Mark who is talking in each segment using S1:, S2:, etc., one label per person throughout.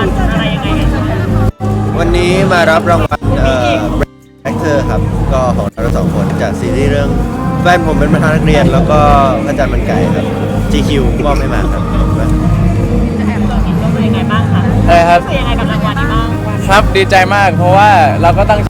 S1: วัลอะไรยังไงกัน
S2: วันนี้มารับรางวัลแอคเตอร์ครับก็ของเราสองคนจากซีรีส์เรื่องแฟนผมเป็นประธานนักเรียนแล้วก็พระจันทร์มันไก่ครับ GQ มอบให้มาครับ
S1: จะแอบตัวกินก็เป็นยังไงบ้างคะ
S3: อะไรครับ
S1: เป็นยังไงกับรางวัลนี้บ้าง
S3: ครับดีใจมากเพราะว่าเราก็ตั้ง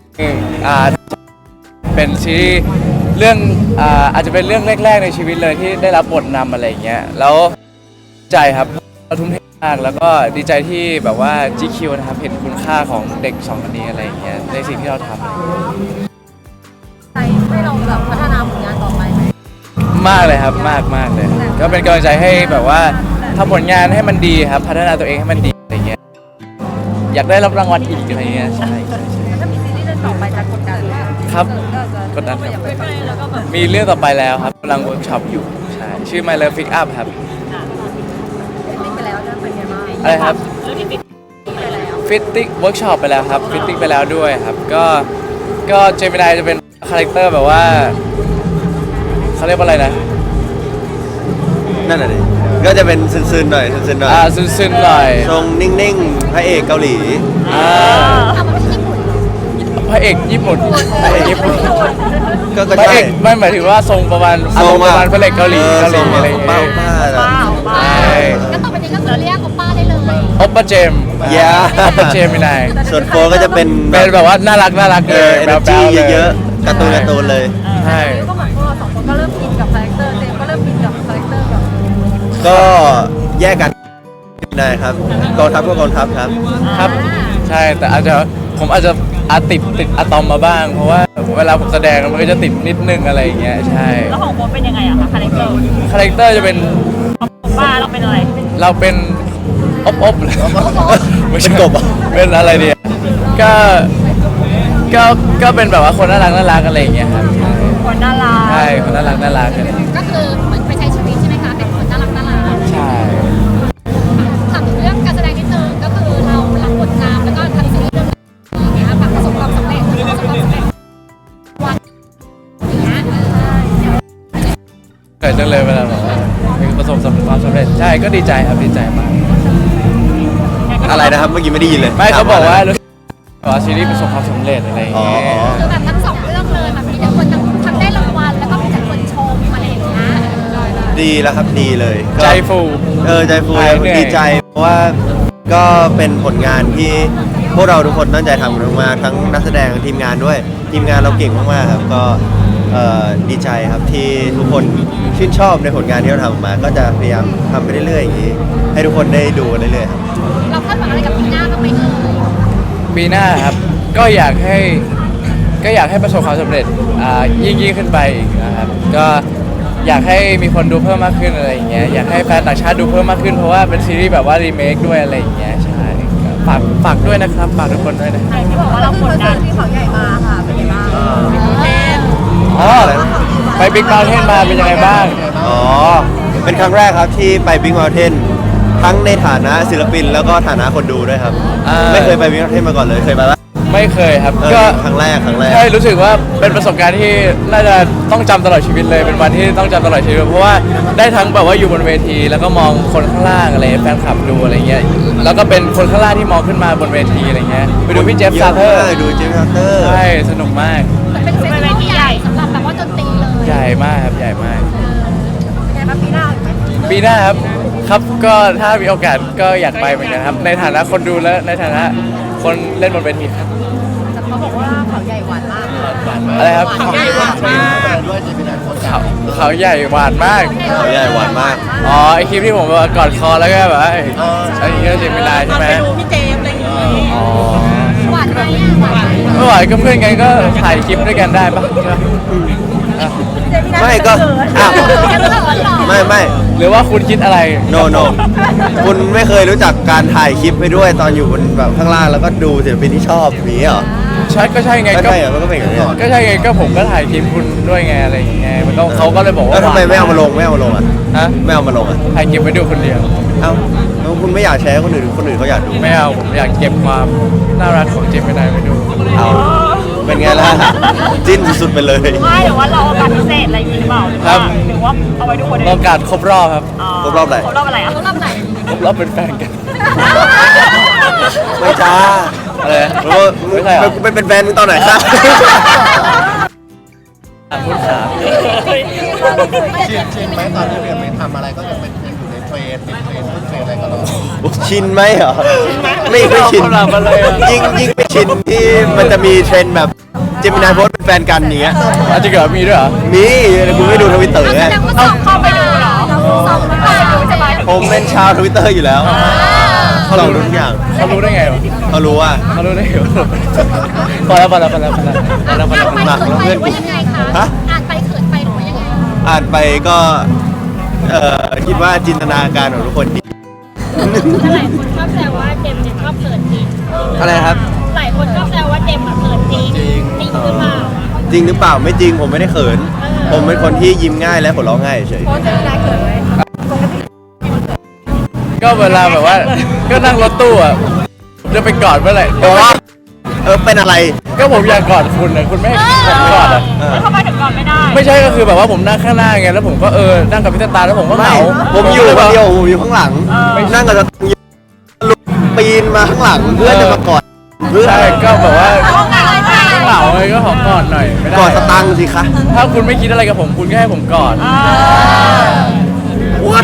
S3: เป็นซีรีส์เรื่องอาจจะเป็นเรื่องแรกๆในชีวิตเลยที่ได้รับบทนำอะไรอย่างเงี้ยแล้วใจครับเราทุ่มเทมากแล้วก็ดีใจที่แบบว่า GQ นะครับเห็นคุณค่าของเด็กสองคนนี้อะไรอย่างเงี้ยในสิ่งที่เราทำ
S4: ใจให้เราแบบพัฒนาผลงานต่อไปไหม
S3: มากเลยครับมากเลยก็เป็นกำลังใจให้แบบว่าทำผลงานให้มันดีครับพัฒนาตัวเองให้มันดีอะไรเงี้ยอยากได้รับรางวัลอีกอะไรเงี้ยใช่
S4: ถ้ามีซีรีส์เรื่องต่อไปจะกดดันไหม
S3: ครับ
S4: ก็จะ
S3: กดดันครับ
S4: อยากไปฟังแล้วก็แบบ
S3: มีเรื่องต่อไปแล้วครับกำลังเวิร์กช็อปอยู่ใช่ชื่อ My Love Pick Up ครับ
S4: ฟิตไปแล้วจะเป็นยังไงบ้าง
S3: อะไรครับ
S1: เรื่องที่ปิด
S4: ไปแล้ว
S3: ฟิตติ้งเวิร์กช็อปไปแล้วครับฟิตติ้งไปแล้วด้วยครับก็เจมินายจะเป็นคาแรคเตอร์แบบว่าเขาเรียกว่าอะไรนะ
S2: นั่นแหละดิก็จะเป็นซึนๆหน่อยซึนๆหน่อย
S3: ซึนๆหน่อย
S2: ทรงนิ่งๆพระเอกเกาหลี
S4: เอามาที่ญี่ปุ่น
S3: พระเอกญี่ปุ่นพระเอกญี่ปุ่น
S2: ก็
S3: พระ
S2: ใช่
S3: เอกไม่หมายถึงว่าทรงประมาณอารมณ์ประมาณพระเอกเกาหลีอะไรอย่าง
S2: อะไร
S3: เงี้
S2: ป้าย ป้า
S1: เปล่า
S3: ใช่
S4: ก็ต่อไปนี้ก็คือเรียกโอป้าได้เลย
S3: โอปเปอร์เจม
S2: Yeah
S3: โอปเปอร์เจมินาย
S2: ส่วนโฟก็จะเป็น
S3: เป็นแบบว่าน่ารักเลย
S2: เอเนอร์จี
S3: แบ๊วๆ
S2: เยอะๆการ์ตูนเลย
S3: ใช่
S4: ก็เหมือนพวกเราสองคนก็เริ่มอินกับคาแรคเตอร์เจมส์ก็เริ่มอินกับคาแรคเตอร์แบบ
S2: ก็แยกกันได้ครับกองทัพก็กองทัพครับ
S3: ครับใช่แต่ผมอาจจะติดอะตอมมาบ้าง เพราะว่าเวลาผมแสดงมันก็จะติดนิดนึงอะไรอย่างเงี้ยใช่
S1: แล้วของโค้ชเป็นยังไงอะคะคาแรคเตอร์
S3: คาแรคเตอร์จะเป็น
S1: ของป้าเราเป็นอะไร
S3: เราเป็นอบเลยไม่ใช่
S2: เป็นกบเหรอ
S3: เป็นอะไรดีก็ก็เป็นแบบว่าคนน่ารักอะไรอย่างเงี้ยครับ
S1: คนน่ารัก
S3: ใช่คนน่ารักกัน
S4: ก็คือเหมือนไปใช้ชีวิตใช่ไหมคะเป็นคนน่ารัก
S3: ใช่
S4: ถามถึงเรื่องการแสดงนิดนึงก็คือเรารับบทนำแล้วก็ทำซีรีส์เรื่องนี้ค่ะประสบความสำเร็จวันอย่างเงี้ย
S3: เกิดจังเลยเวลาแบบว่าประสบความสำเร็จใช่ก็ดีใจครับดีใจมาก
S2: อะไรนะครับเมื่อกี้ไม่ได้ยินเลย
S3: ไม่เขาบอกว่ารู้สึกว่าซีรีส์ประสบความสำเร็จอะไรอย่างเงี้ย
S4: คือแบบทั้งสองเรื่องเลยแบบมีแต่คนทั้งได้รางวัลแล้วก็มีแต่คนชมอะไรอย่างเงี้ย
S2: ดีแล้วครับดีเลยก็
S3: ใจฟู
S2: ใจฟู
S3: หายเหนื่อย
S2: ดีใจเพราะว่าก็เป็นผลงานที่พวกเราทุกคนตั้งใจทำกันมากๆทั้งนักแสดงทีมงานด้วยทีมงานเราเก่งมากๆครับก็ดีใจครับที่ทุกคนชื่นชอบในผลงานที่เราทำออกมา ก็จะพยายามทำไปเรื่อยๆอย่างนี้ให้ทุกคนได้ดูกันเรื่อยๆครับ
S4: เราคาดหวังอะไรกับปีหน้าบ้างไหมเอ่ย
S3: ปีหน้าครับก็อยากให้ประสบความสำเร็จยิ่งขึ้นไปอีกนะครับก็อยากให้มีคนดูเพิ่มมากขึ้นอะไรอย่างเงี้ยอยากให้แฟนต่างชาติดูเพิ่มมากขึ้นเพราะว่าเป็นซีรีส์แบบว่ารีเมคด้วยอะไรอย่างเงี้ยใช่ฝากด้วยนะครับฝากทุกคนด้วยนะ
S1: ใครที่บอกว่าเรากดดัน
S4: ที่เขาใหญ่มาค่ะเป็นยังไงบ้าง
S3: อ๋อไปบิ๊กเ u า t เทนมาเป็นยังไงบ้าง
S2: อ๋อเป็นครั้งแรกครับที่ไป Big Mountain ทั้งในฐานะศิลปินแล้วก็ฐานะคนดูด้วยครับ ไม่เคยไป Big Mountain มาก่อนเลยเคยไปปะ
S3: ไม่เคยครับ
S2: ก็
S3: ก็
S2: ครั้งแรก
S3: ใช่รู้สึกว่าเป็นประสบการณ์ที่น่าจะต้องจำตลอดชีวิตเลยเป็นวันที่ต้องจำตลอดชีวิตเพราะว่าได้ทั้งแบบว่าอยู่บนเวที แล้วก็มองคนข้างล่างอะไรแฟนคลับดูอะไรเงี้ยแล้วก็เป็นคนข้างล่างที่มองขึ้นมาบนเวทีอะไรเงี้ยไปดูพี่เจฟซาเทอร์
S2: ดูเจฟซาเตอร์
S3: ใช่สนุกมาก
S4: เป็นเฟสติวัลใหญ่สำหรับแบบว่าดนตรีเลย
S3: ใหญ่มากครับใหญ่มาก
S4: เป็นไงบ้างปีหน้าอีกไหม
S3: ปีหน้าครับก็ถ้ามีโอกาสก็อยากไปเหมือนกันครับในฐานะคนดูและในฐานะคนเล่นบนเวทีครับ
S4: แต่เขาบอกว่าเขาใหญ่หวานมาก
S3: อะไรครับ
S4: เขาใหญ่หวานมาก
S3: เขาใหญ่หวานมาก
S2: เขาใหญ่หวานมาก
S3: อ๋อไอคลิปที่ผมแบบกอดคอแล้วก็แบบว่าอันนี้ก็เจมินายใช่ไหม
S1: ไปดูพี่เจมส์อะไรอย่างเงี้ย
S3: อ๋อ
S4: หวานไหมอ่ะหวานไหม
S3: ไม่ไหวก็เพื่อนกันก็ถ่ายคลิปด้วยกันได้ปะใช่ปะอ่ะ
S2: ไม่ก็อ้าว
S4: แค่เรื่องหรอ
S2: ไม่
S3: หรือว่าคุณคิดอะไร
S2: no คุณไม่เคยรู้จักการถ่ายคลิปไปด้วยตอนอยู่บนแบบข้างล่างแล้วก็ดูศิลปินที่ชอบอย่างนี้เหรอ
S3: ใช่ก็ใช่ไง
S2: ไม่
S3: ก็
S2: ใช่เหรอมันก็เป็นอย่างนี้เหรอ
S3: ก็ใช่ไงก็ผมก็ถ่ายคลิปคุณด้วยไงอะไรอย่างเงี้ยมันก็เขาก็เลยบอกว่า
S2: แล้วทำไมไม่เอามาลงอ่ะ
S3: ฮะ
S2: ไม่เอามาลงอ่ะ
S3: ถ่ายเก็บไว้ดูคนเดียว
S2: เอ้าแล้วคุณไม่อยากแชร์ให้คนอื่นเขาอยากดู
S3: ไม่เอาผมอยากเก็บความน่ารักของเจมินายไว้ดู
S2: เอาเป็นไงล่ะจิ้นสุดๆไปเลย
S1: ไม่หรือว่าเราเอาบัตรพิเศษอะไรอย่างงี้หรือเปล่าหรือว่าเอาไว้ดูคนเดียว
S3: โอกาสครบรอบครับ
S2: ครบรอบอะไร
S1: ครบรอบอะไรอ่ะ
S4: เขารอบไหน
S3: ครบรอบเป็นแฟนกัน
S2: ไม่จ้า
S3: อะไร
S2: ไม่ใช่กูเป็นแฟนมึงตอนไหนครับ
S3: พูดสาม
S5: ชินไหมตอนที่เรียนไปทำอะไรก็ยังเป็นอยู่ในเทรนติดเทรนขึ้นเทรนอะไรก็รอ
S2: ชินไหมเหรอไม่ชินยิ่งไม่ชินที่มันจะมีเทรนด์แบบเจมินายโพสเป็นแฟนกันอย่างเงี้ย
S3: อาจจะเกิดมีด้วยเหรอ
S2: มีคุณไม่ดูทวิตเตอร์
S4: แส
S2: ไง
S4: ดงว่าสอบเข้าไปดูเหรอสอบไม่ไปดูใช่ไหม
S2: ผมเป็นชาวทวิตเตอร์อยู่แล้วเขารู้ทุกอย่าง
S3: เขารู้ได้ไงวะ
S2: เขารู้ว่า
S3: เขารู้ได้ไงวะพอแล้ว
S4: อ่านไปเขินไปหรือว่ายังไงคะอ่านไปเขินไปหรือว่ายังไง
S2: อ่านไปก็คิดว่าจินตนาการของทุกคนดี
S1: หลายคนชอบแซวว่าเจมส์ชอบเขินจริง
S2: อะไรครับ
S1: หลายคนชอบแซวว่าเจมส์เขินจริงจริงหรือเปล่า
S2: จริงหรือเปล่าไม่จริงผมไม่ได้เขิน ผมเป็นคนที่ยิ้มง่ายและหัวเราะง่ายเฉย
S3: ก็เวลาแบบว่า ก็นั่งรถตู้อ่ะจะไปกอดเมื่อไหร่
S2: เป็นอะไร
S3: ก็ผมอยากกอดคุณนะคุณไม่ให้ผมกอดอ่ะ
S1: แล้วทำไมถึงก่อนไม่ได้
S3: ไม่ใช่ก็คือแบบว่าผมนั่งข้างหน้าไงแล้วผมก็นั่งกับพี่ตาแล้วผมก็เห
S2: ไม่
S3: งา
S2: ผมอยู่คนเดียวผมอยู่ข้างหลังนั่งกับลุกปีนมาข้างหลังเพื่อจะมากอดเพื่อ
S3: ใช่ก็แบบว่า
S1: ต้องการอะไร
S3: เหงาเลยก็ขอกอดหน่อยไม่ได้
S2: กอดสตังค์สิคะ
S3: ถ้าคุณไม่คิดอะไรกับผมคุณก็ให้ผมกอด
S2: what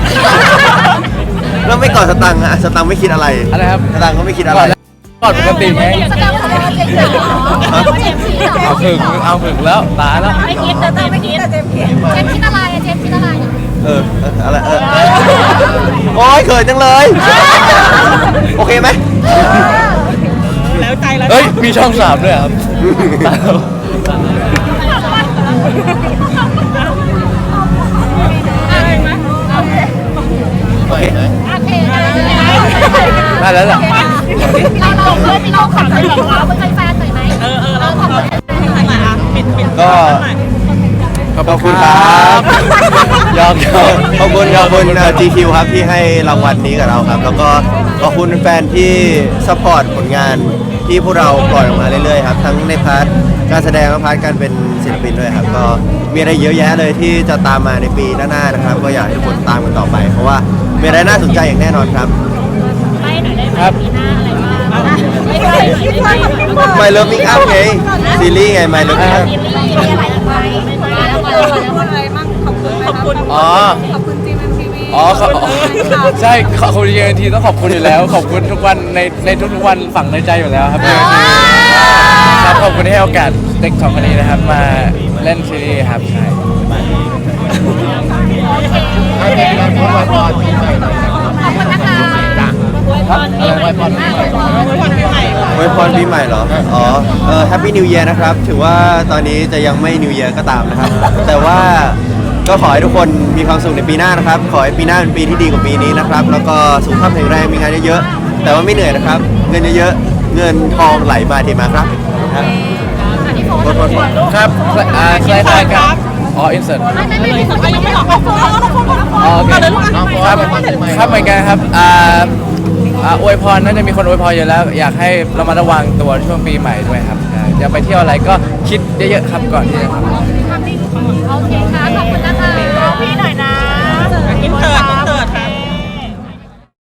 S2: แล้วไม่กอดสตังค์อะสตังค์ไม่คิดอะไร
S3: อะไรครับ
S2: สตังค์ก็ไม่คิดอะ
S3: ก
S2: ไร
S3: อดแล้วกอดปกติไหม
S4: แสดงว่าเจมส์เหรอเจมส์คิดเหรอ
S3: เอาผึ่งแล้วตายแล้ว
S1: ไม่คิดแต่เจมส์คิด
S4: เจมส์คิดอะไรเจมส์คิดอะไร
S2: อะไรโอ้ยเขินจังเลย โอเคไหม
S1: แล้วใจแล้ว
S3: เฮ้ยมีช่องสามด้วยครับ
S2: โอเค
S4: โอเค
S3: ได้แล้วล่ะ
S4: เราเพื่อนที่เราขับเลยเราเป็นแฟนหน่อยไหมเราขอบคุณแฟนหน่อย
S2: ก็ขอบคุณครับ
S3: ยอม
S2: ขอบคุณGQ ครับที่ให้รางวัลนี้กับเราครับ แล้วก็ขอบคุณแฟนที่ซัพพอร์ตผลงานที่พวกเราปล่อยออกมาเรื่อยๆครับ ทั้งในพาร์ทการแสดงและพาร์ทการเป็นศิลปินด้วยครับ ก็มีอะไรเยอะแยะเลยที่จะตามมาในปีหน้าๆนะครับ ก็อยากให้ทุกคนตามกันต่อไป เพราะว่ามีอะไรน่าสนใจอย่างแน่นอนครับ
S1: ไปหน่อยได้ไหม
S3: ครับ
S1: ปีหน้าอะไรบ้างไม่ใช่ไม่ใช่
S2: My Love Make Up ไงซีรีส์ไง My Love Make Up
S1: ซีรีส์มีอะไรไปไม่ใช่แล้วมาอะไรมั่งขอบคุณ
S3: อ๋อ
S4: ขอบคุณจีมทีวี
S3: อ๋อใช่ขอบคุณเยทีต้องขอบคุณอยู่แล้ว ขอบคุณทุกวันในทุกๆวันฝังในใจอยู่แล้วครับครับขอบคุณที่ให้โอกาสเด็กสองคนนี้นะครับมาเล่นซีรีส์ครับใช่
S5: ให้เป็นการพูดไว้พรปีใหม่หน่อยครับ
S4: ขอบคุณนะคะ
S3: ครับไว้พร
S2: อวยพรปีใหม่เหรอ อ๋อHappy New Year นะครับ ถือว่าตอนนี้จะยังไม่ New Year ก็ตามนะครับ แต่ว่าก็ขอให้ทุกคนมีความสุขในปีหน้านะครับ ขอให้ปีหน้าเป็นปีที่ดีกว่าปีนี้นะครับ แล้วก็สุขภาพแข็งแรง มีงานเยอะๆ แต่ว่าไม่เหนื่อยนะครับ เงินเยอะๆ เงินทองไหลมาเทมาครับครับโทษ
S3: ครับคล้ายๆกันอ๋ออินเสิร์ต
S4: ไม่มีคนยังไม่ออกไปฟ้อง
S3: อ๋อโอเค
S5: น้อง
S3: ครับ
S5: ไว้พรปีใหม่
S3: ครับเหมือนกันครับอวยพรน่าจะมีคนอวยพรอยู่แล้ว อยากให้เรามาระวังตัวช่วงปีใหม่ด้วยครับอย่าไปเที่ยวอะไรก็คิดเยอะๆครับก่อนที่จะทำ